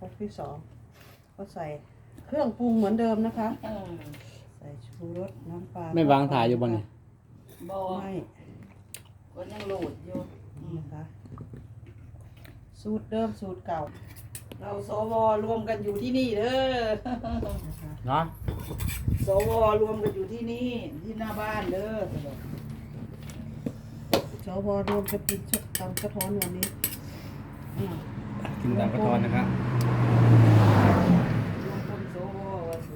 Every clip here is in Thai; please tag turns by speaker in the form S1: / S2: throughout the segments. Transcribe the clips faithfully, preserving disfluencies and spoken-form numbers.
S1: รกที่สองก็ใส่เครื่องปรุงเหมือนเดิมนะคะ
S2: เออ
S1: ใส่ชูรสน้ำปลา
S3: ไม่วางถ่ายอยู่บนนี่
S2: บ่
S1: ไม่
S2: ก็ยังโหลดอยู่
S1: นะคะสูตรเดิมสูตรเก่า
S2: เราสวรวมกันอยู่ที่นี่เด้อ
S1: นะคะ
S3: เนาะ
S2: สวรวมกันอยู่ที่นี่ที่หน้าบ้านเด้อ
S1: สวรวมจะกินชุดตำกระท้อนวันนี้
S2: อืม
S3: กินตามกระทอนนะครับ
S2: รวมคนสวว่าสิ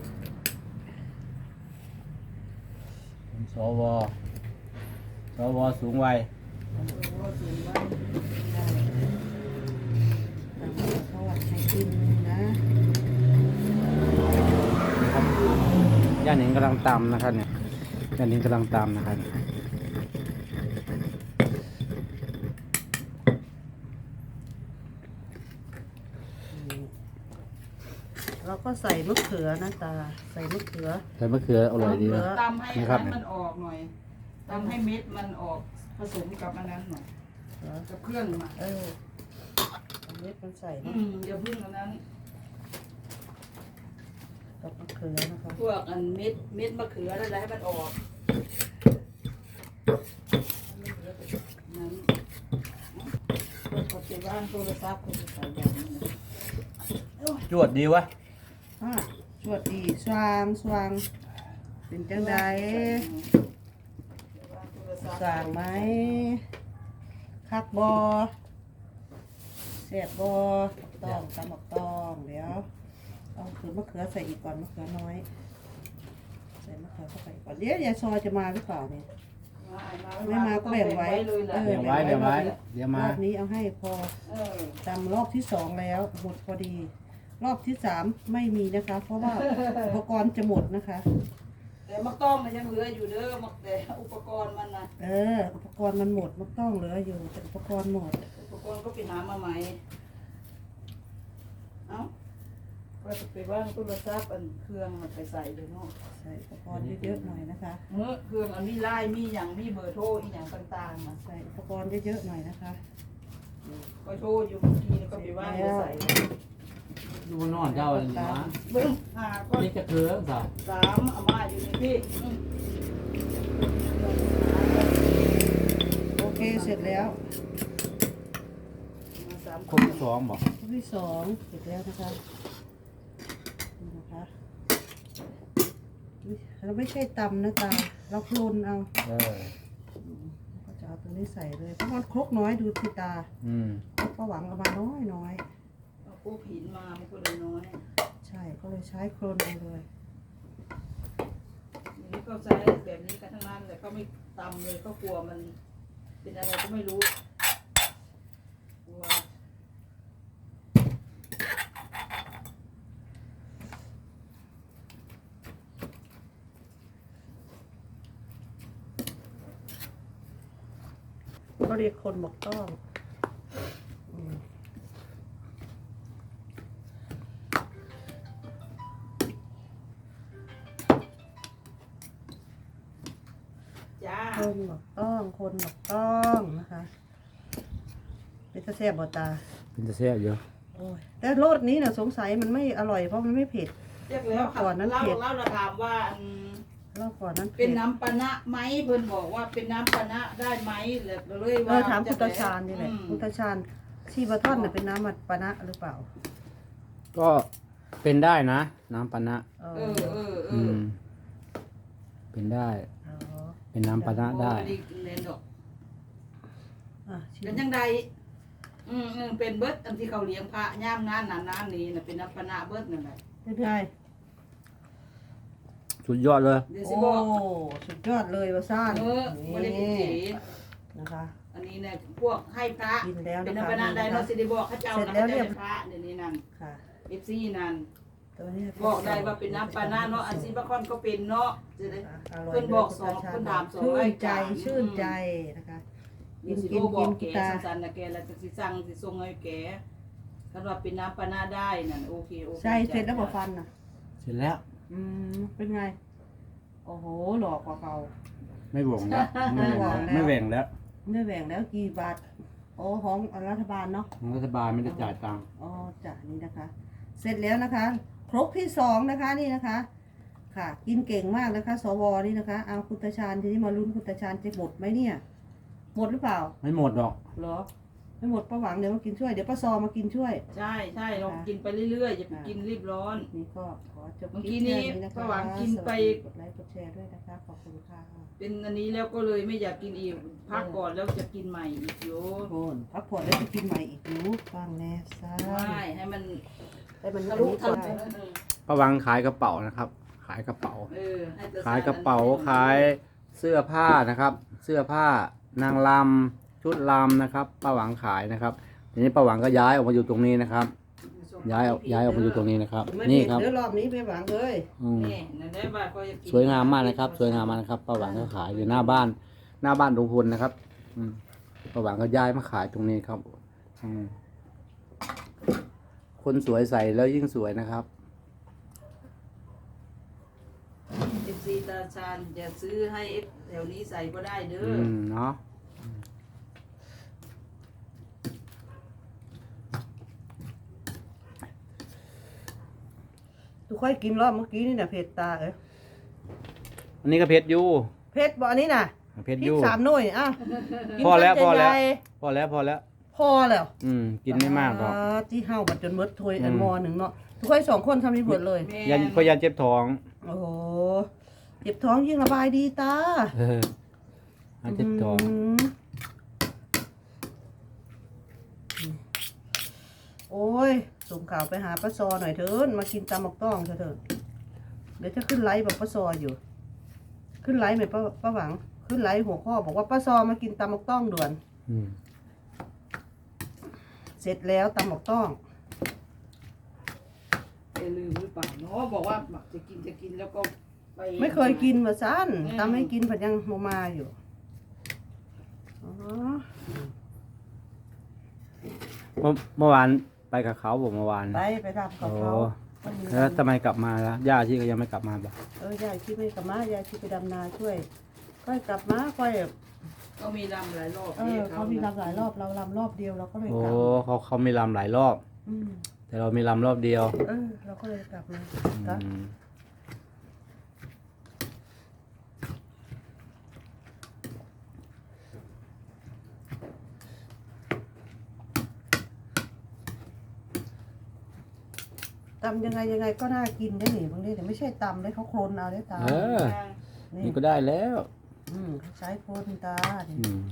S3: สวสวสูงวัย
S2: สวสูงไว้
S1: ได้ตำกระท้อนให้กินนะ
S3: ย่าหนิงกำลังตำนะครับเนี่ยย่าหนิงกำลังตำนะครับ
S1: เราก็ใส่มะเขือนะตาใส่มะเขือ
S3: ใส่มะเขืออร่อยดีนะ
S2: ตำให้
S3: นี่ครับ
S2: ให้มันออกหน่อยตำให้เม็ดมันออกผสมกับอันนั้นหน่อย
S1: เหรอ
S2: กับเครื่องมา
S1: เออเอาเม็ดมันใส่
S2: อื
S1: นะ
S2: มอย่าพึ่งอันนั้น
S1: กับมะเขือนะคะ
S2: พวกอันเม็ดเม็ดมะเขืออะไรให้มันออกนั้นก็จะว่างโทรศัพท์ก็จะใส่แบบนี้นะโอ้ย
S3: จวดดีวะ
S1: อ่ะสวัสดีสว่างสว่างเป็นจังไดสั่งไหมคักบอเสียบบอต้องตำบักตองเดี๋ยวเอาคือมะเขือใส่อีกก่อนมะเขือน้อยใส่มะเขือเข้าไปก่อนเดี๋ยวยายซอยจะมาหรือเปล่าเนี่ยไม่มาก็แบ่งไว้
S2: เลยแหละ
S1: เออ
S3: เดี๋ยวไว้เดี๋ยวไว้เดี๋ยว
S1: ร
S3: มา
S1: อบนี้เอาให้พอ
S2: เออ
S1: ตำรอบที่สองแล้วหมดพอดี รอบที่สามไม่มีนะคะ เพราะว่าอุปกรณ์จะหมดนะคะ
S2: แต่มะต้องมันยังเหลืออยู่เด้อมักแต่อุปกรณ์มันนะ
S1: เออ อุปกรณ์มันหมดมันต้องเหลืออยู่แต่อุปกรณ์หมด
S2: อุปกรณ์ก็ไปหามาใหม่เอ้าก็จะไปว่างโทรศัพท์อันเครื่องมันไปใส่เลยเนาะ
S1: ใส่อุปกรณ์เยอะๆหน่อยนะคะ
S2: เมื่อเครื่องอันมีไลน์มีอย่างมีเบอร์โทรอีอย่างต่างๆมา
S1: ใส่อุปกรณ์เยอะๆหน่อยนะคะ
S2: ก็โทรอยู่เมื่อกี้แล้วก็ไปว่างไปใส่
S3: ดูมันนอนเจ้าอันนี้นะ
S2: เบิ้งหาก็
S3: นี่จะเกลือสาว
S2: สามอามาอยู่ในพี่อืม
S1: โอเคเสร็จแล้ว
S2: มาสาม
S3: คงสองบอก
S1: รอบที่สองเสร็จแล้วนะคะนี่นะคะอุ๊ยเราไม่ใช่ตำนะตาเราโคลนเอา
S3: เออ
S1: ก็จะเอาตัวนี้ใส่เลยเพราะมันครกน้อยดูที่ตา
S3: อืม
S1: ก็หวังเอามาน้อยน้อย
S2: เอาปูผินมามันก็เลยน้อย
S1: ใช่ก็เลยใช้โคลนเอาเลย
S2: อย่างนี้ก็ใช้แบบนี้กันทั้งนั้นแต่เขาไม่ตำเลยเขากลัวมันเป็นอะไรก็ไม่รู้กลัว
S1: เขาเรียกคนบอกต้องอืม
S2: จ้า
S1: คนบอกต้องคนบอกต้องนะคะเป็นตะแซ่บบ่ตา
S3: เป็นจะแซ่บเยอะ
S1: โอ้ยแต่รสนี้น่ะสงสัยมันไม่อร่อยเพราะมันไม่เผ็ด
S2: เรียกแล้วค่ะ
S1: ก่อนนั้น
S2: เล่า
S1: เผ็ด
S2: เล่าเราถามว่าอืม
S1: รอบก่อนนั้น
S2: เป็
S1: ผ็
S2: น
S1: ด
S2: น้ำปะนะไหมเพิ่นบอกว่าเป็นน้ำปะนะได้ไหมเลยเลย
S1: เอ
S2: ว่า
S1: อถามพุทธชาญนี่แหละ
S2: อืม
S1: พุทธชาญชีบะท่อนน่ะเป็นน้ำมันปะนะหรือเปล่า
S3: ก็เป็นได้นะ น้ำปานะ
S1: เอ
S2: เอ
S1: อ
S2: อเออเอ
S3: อื
S2: อ
S3: ม เป็นได้
S1: อ๋อ
S3: เป็นน้ำปานะได้
S2: โอ้เล่นดอก
S1: อ่ะชิม
S2: เป็นยังไงอืมอืมเป็นเบิดอันที่เขาเลี้ยงพระย่ามงานนานๆนี้น่ะเป็นน้ำปะนะเบิดนั่นแหละ
S1: เป็นไง
S3: สุดยอดเลย
S2: เดี๋ยวสิ
S1: โอ้
S2: บอก
S1: สุดยอดเลยว่าซ่าน
S2: เออไม่ได้กิน
S1: นี่
S2: สี
S1: นะคะ
S2: อันนี้เนี่ยพวกให้พระ
S1: กินแล้ว
S2: เป็น
S1: นะคะ
S2: น้ำปะนะได้เนาะสิได้บอกเขาเจ้า
S1: เสร็จ
S2: นะ
S1: แล้ว
S2: เขา
S1: เรี
S2: เจ้าย
S1: บ
S2: เป็นพระเดี๋ยวนี้นั่น
S1: ค่ะ
S2: เอฟซีนั่น
S1: ตัวนี้
S2: บอกได้ว่าเป็นน้ำปานาเนาะอันซีบะคอนก็เป็นเนาะจะได้
S1: อร่อย
S2: เพิ่นบอกสอง
S1: ลย
S2: เพิ่นถามสอง
S1: ชื่
S2: ราน ย
S1: ใจ
S2: การ
S1: ชื่นใจนะคะ
S2: กินกินบอกแกสันๆนะแกแล้วจะสิสั่งสิส่งให้แกคันว่าเป็นน้ำปานาได้นั่นโอเคโอเค
S1: ใช่เสร็จแล้วบอกฟันน่ะ
S3: เสร็จแล้ว
S1: อืมเป็นไง โอ้โหหลอกกว่าเก่า
S3: ไม่หวงแล้วไม่หวงแล้วไม่แหว่งแล้ว
S1: ไม่แบ่งแล้วกี่บาทโอ้ของรัฐบาลเนาะ
S3: ของรัฐบาลไม่ได้จ่ายตังค์
S1: อ๋อจ้ะนี่นะคะเสร็จแล้วนะคะ ครกที่สองนะคะนี่นะคะ ค่ะ กินเก่งมากนะคะ สวนี่นะคะเอาคุณตาชาญทีนี้มาลุ้นคุณตาชาญจะหมดไหมเนี่ย หมดหรือเปล่า
S3: ไม่หมดหรอก
S1: เหรอไม่หมดป้าหวังเดี๋ยวมากินช่วยเดี๋ยวป้าซอมากินช่วย
S2: ใช่ใช่ลองกินไปเรื่อยๆอย่าไปกินรีบร้อน
S1: นี่ก็ขอจบ
S2: เมื่อ
S1: ค
S2: กี้
S1: ลิป
S2: นี้
S1: แค่นี้นะคะ
S2: ป้าหวังกินไป
S1: สวัสดีกดไลค์กดแชร์ด้วยนะคะขอบคุณค่ะ
S2: เป็นอันนี้แล้วก็เลยไม่อยากกินอีกพักก่อนแล้วจะกินใหม่อีกโย
S1: โอนพักผ่อนแล้วจะกินใหม่อีกหนูฟังแน่ซ่า
S2: ไม่ให้มัน
S1: ให้มัน
S2: ทะลุ
S1: นี้
S2: ทะ
S1: ก่อ
S2: ลุ
S1: น
S3: ป้าหวังขายกระเป๋านะครับ ขายกระเป๋า
S2: เออให้แต่
S3: ขายกระเป๋าขายเสื้อผ้านะครับ เสื้อผ้านางลำชุดลำนะครับป้าหวังขายนะครับทีนี้ป้าหวังก็ย้ายออกมาอยู่ตรงนี้นะครับ ย้ายออกย้ายออกมาอยู่ตรงนี้นะครับ
S1: ไม่
S3: นี่
S1: เผ็ด
S3: ครับ
S1: เดี๋ยวรอบนี้ไปหวังเลย
S3: อืม
S2: นี่นั่นได้บ้านก็จะกิน
S3: สวยงามมากนะครับ สวยงามมากนะครับป้าหวังก็ขายอยู่หน้าบ้าน หน้าบ้านลุงพลนะครับ อืมป้าหวังก็ย้ายมาขายตรงนี้ครับอืมคนสวยใส่แล้วยิ่งสวยนะครับ
S2: เอฟซีตาชาญจะซื้อให้แถวนี้ใส่ก็ได้เด้
S3: อื
S2: อ
S3: มเนาะ
S1: ทุกค่อยกินรอบเมื่อกี้นี่น่ะเผ็ดตาเอ้ย
S3: อันนี้ก็เพชรอยู่
S1: เผ็ดบ่อันนี้น่ะ
S3: เพชร
S1: พริ
S3: อก ยู่
S1: สามหน่วยอ้าวกิน
S3: พอแล้ว
S1: คำ
S3: พอแล้ว
S1: ใหญ่
S3: พอแล้วพอแล้ว
S1: ๆพอแล้ว
S3: อืมกินไม่มากหรอก
S1: ที่เฮาบัดจนหมดถ้วย
S3: อืม
S1: อันหมอหนึ่งเนาะทุกค่อยสองคนทำนี่เบิดเลย
S2: แม่
S3: ยันเพราะยันเจ็บท้อง
S1: โอ้โหเจ็บท้องยิ่งระบายดีตา
S3: เออยันเจ็บท้อง
S1: มโอ้ยส่งข่าวไปหาป้าซอหน่อยเถินมากินตำหมกต้องเถอะเถินเดี๋ยวจะขึ้นไลฟ์บอกป้าซออยู่ ขึ้นไลฟ์ไหมป้าป้าหวัง ขึ้นไลฟ์หัวข้อบอกว่าป้าซอมากินตำหมกต้องด่วน
S3: อืม
S1: เสร็จแล้วตำหมกต้อง
S2: จะลืมหรือเปล่าเนาะบอกว่าจะกินจะกินแล้วก็ไป
S1: ไม่เคยกินมาสั้น
S2: อืม
S1: ตำให้กินผัดยังโมมาอยู่อ๋อ
S3: เมื่อเมื่อวานไปกับเขาผมเมื่อวาน
S1: ไปไปทำกับเขา
S3: โอ้
S1: วันนี้
S3: แล้วทำไมกลับมาล่ะย่าที่ก็ยังไม่กลับมาบ่
S1: เออยายที่ไม่กลับมายายที่ไปดำนาช่วย ค่อยกลับมาค่อย
S2: ก็มีลำหลายรอบ
S1: เออเขามีลำหลายรอบเราลำรอบเดียวเราก็เลย
S3: โอ้
S1: กลับ
S3: เขาเขามีลำหลายรอบ
S1: อืม
S3: แต่เรามีลำรอบเดียว
S1: เออเราก็เลยกลับมา
S3: อืม
S1: ตำยังไงยังไงก็น่ากินได้หนิบางทีแต่ไม่ใช่ตำเลยเขาโคลนเอาได้ตา
S3: เออ
S1: นี่
S3: นี่ก็ได้แล้ว
S1: อืมเขาใช้โคลนตา
S3: อืม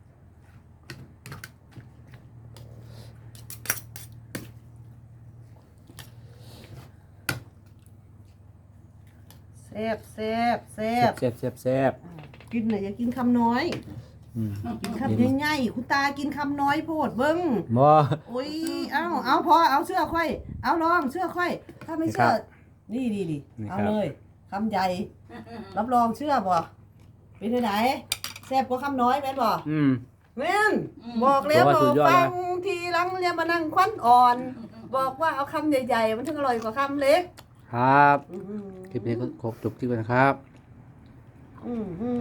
S1: แซ่บแซ่บแซ่บ
S3: แซ่บแซ่บแซ่บ
S1: อ่ากินหน่อยอย่ากินคำน้อย
S3: อืม
S1: กินคำใหญ่ๆคุณตากินคำน้อยโพดเบิ้ง
S3: บ่
S1: โอ้ย เอาเอาพอ เอาเสื้อค่อย เอาลองเสื้อค่อย ถ้าไม่เชื่อ นี่ดีดีเอาเลยคำใหญ่ รับรองเชื่อบ่เป็นที่ไหนแซ่บกว่าคำน้อยแม่นบ่
S3: อืม
S1: แม่นบอกแล้ว
S3: บอกว่า
S1: บ
S3: สุ
S1: อ
S3: ด
S1: ก
S3: ยอด
S1: ฟั
S3: นะ
S1: งทีหลังเรียนมานั่งควันอ่อน บอกว่าเอาคำใหญ่ๆ มันถึงอร่อยกว่าคำเล็ก
S3: ครับ
S1: อืม
S3: คลิปนี้ก็ครบจบที่กันนะครับ
S1: อืมอืม